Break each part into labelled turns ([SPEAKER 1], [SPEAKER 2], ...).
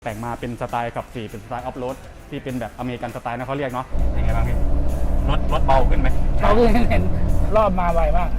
[SPEAKER 1] แต่งมาเป็นสไตล์ขับ4เป็นสไตล์ออฟโรดที่เป็นแบบอเมริกันสไตล์นะเขาเรียกเนาะยังไงบ้างพี่รถเบาขึ้นไหม
[SPEAKER 2] เบาขึ้นเห็นรอบมาไวมาก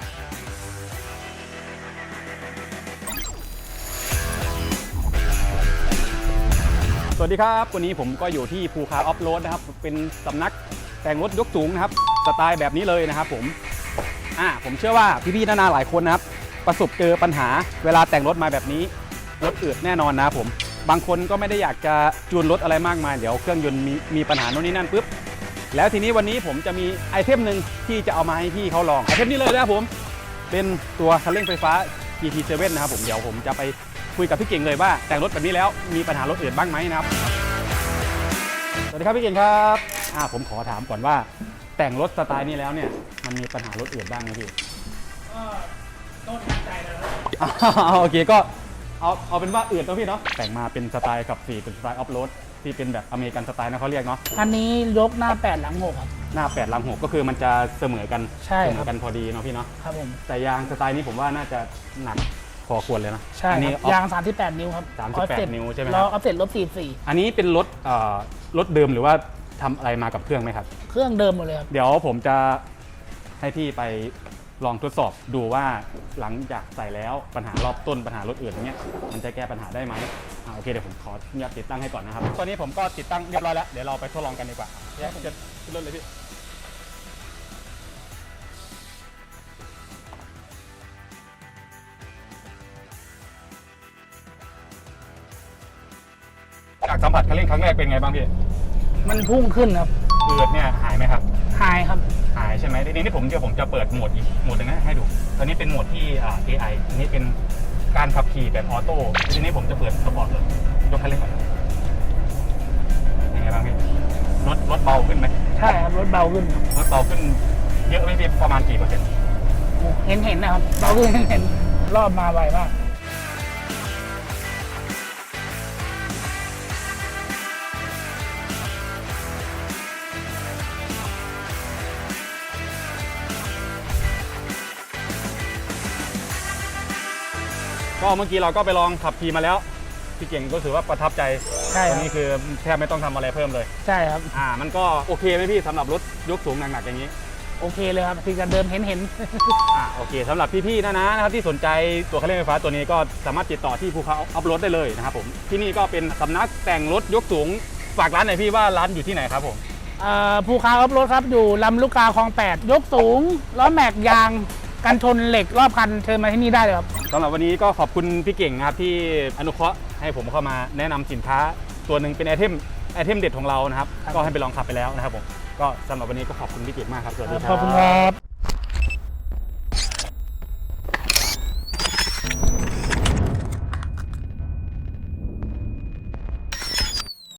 [SPEAKER 1] สวัสดีครับวันนี้ผมก็อยู่ที่ภูคาออฟโรดนะครับเป็นสำนักแต่งรถยกสูงนะครับสไตล์แบบนี้เลยนะครับผมเชื่อว่าพี่ๆนานาหลายคนนะครับประสบเจอปัญหาเวลาแต่งรถมาแบบนี้รถอืดแน่นอนนะครับผมบางคนก็ไม่ได้อยากจะจูนรถอะไรมากมายเดี๋ยวเครื่องยนต์มีปัญหาโน่นนี่นั่นปุ๊บแล้วทีนี้วันนี้ผมจะมีไอเทมหนึ่งที่จะเอามาให้พี่เขาลองไอเทมนี้เลยนะครับผมเป็นตัวคันเร่งไฟฟ้า GT7 นะครับผมเดี๋ยวผมจะไปคุยกับพี่เก่งเลยว่าแต่งรถแบบนี้แล้วมีปัญหารถอื่นบ้างไหมนะครับสวัสดีครับพี่เก่งครับผมขอถามก่อนว่าแต่งรถสไตล์นี้แล้วเนี่ยมันมีปัญหารถอื่นบ้างไหมพี่
[SPEAKER 2] ก็ตั้งใจแล้ว
[SPEAKER 1] โอเคก็เอาเป็นว่าอื่นตัวพี่เนาะแต่งมาเป็นสไตล์ขับ4เป็นสไตล์ออฟโรดที่เป็นแบบอเมริกันสไตล์นะเขาเรียกเนาะ
[SPEAKER 2] อันนี้ยกหน้า8หลัง6ครับ
[SPEAKER 1] หน้า8หลัง6ก็คือมันจะเสมอกัน
[SPEAKER 2] ใช่
[SPEAKER 1] เสมอกันพอดีเนาะพี่เนาะ
[SPEAKER 2] ครับผม
[SPEAKER 1] แต่ยางสไตล์นี้ผมว่าน่าจะหนักพอควรเลยนะ
[SPEAKER 2] ใช่ยาง38นิ้วครับ
[SPEAKER 1] 38นิ้วใช่ไหมครับ
[SPEAKER 2] ล้อออฟเซ็ตลบ44
[SPEAKER 1] อันนี้เป็นรถเดิมหรือว่าทำอะไรมากับเครื่องไหมครับ
[SPEAKER 2] เครื่องเดิมหมดเลยครับ
[SPEAKER 1] เดี๋ยวผมจะให้พี่ไปลองทดสอบดูว่าหลังจากใส่แล้วปัญหารอบต้นปัญหารถอื่นอย่างเงี้ยมันจะแก้ปัญหาได้ไหมโอเคเดี๋ยวผมขออนุญาตติดตั้งให้ก่อนนะครับตอนนี้ผมก็ติดตั้งเรียบร้อยแล้วเดี๋ยวเราไปทดลองกันดีกว่าแยกจะขึ้นรถเลยพี่จากสัมผัสคันเร่งครั้งแรกเป็นไงบ้างพี่
[SPEAKER 2] มันพุ่งขึ้นครับ
[SPEAKER 1] อืดเนี่ยหายไหมครับ
[SPEAKER 2] หายครับ
[SPEAKER 1] หายใช่ไหมทีนี้ผมจะเปิดโหมดอีกโหมดหนึ่งให้ดูตอนนี้เป็นโหมดที่ AI อันนี้เป็นการขับขี่แบบออโต้ทีนี้ผมจะเปิดสปอร์ตเลยยกคันเร่งก่อนยังไงบ้างพี่รถเบาขึ้นไหม
[SPEAKER 2] ใช่ครับรถเบาขึ้น
[SPEAKER 1] รถเบาขึ้นเยอะไหมพี่ประมาณกี่เปอร์เซ็นต์
[SPEAKER 2] เห็นนะครับเบาขึ้นเห็นรอบมาไวมาก
[SPEAKER 1] ก็เมื่อกี้เราก็ไปลองขับขี่มาแล้วพี่เก่งก็ถือว่าประทับใจ
[SPEAKER 2] ใช่
[SPEAKER 1] ตอนนี้คือแทบไม่ต้องทำอะไรเพิ่มเลย
[SPEAKER 2] ใช่ครับ
[SPEAKER 1] มันก็โอเคไหมพี่สำหรับรถยกสูงหนักๆอย่างนี้
[SPEAKER 2] โอเคเลยครับที่จะเดิมเห็น
[SPEAKER 1] โอเคสำหรับพี่ๆนะครับที่สนใจตัวคันเร่งไฟฟ้าตัวนี้ก็สามารถติดต่อที่ภูเขาอัพโหลดได้เลยนะครับผมที่นี่ก็เป็นสำนักแต่งรถยกสูงฝากร้านหน่อยพี่ว่าร้านอยู่ที่ไหนครับผม
[SPEAKER 2] ภูเขาอัพโหลดครับอยู่ลำลูกกาคลอง8ยกสูงล้อแม็กยางกันชนเหล็กรอบคันเชิญมาที่นี่ได้เลยครับ
[SPEAKER 1] สำหรับวันนี้ก็ขอบคุณพี่เก่งนะครับที่อนุเคราะห์ให้ผมเข้ามาแนะนำสินค้าตัวหนึ่งเป็นไอเทมเด็ดของเรานะครับก็ให้ไปลองขับไปแล้วนะครับผมก็สำหรับวันนี้ก็ขอบคุณพี่เก่งมากครับสวัสดีครับ
[SPEAKER 2] ขอบคุณครับ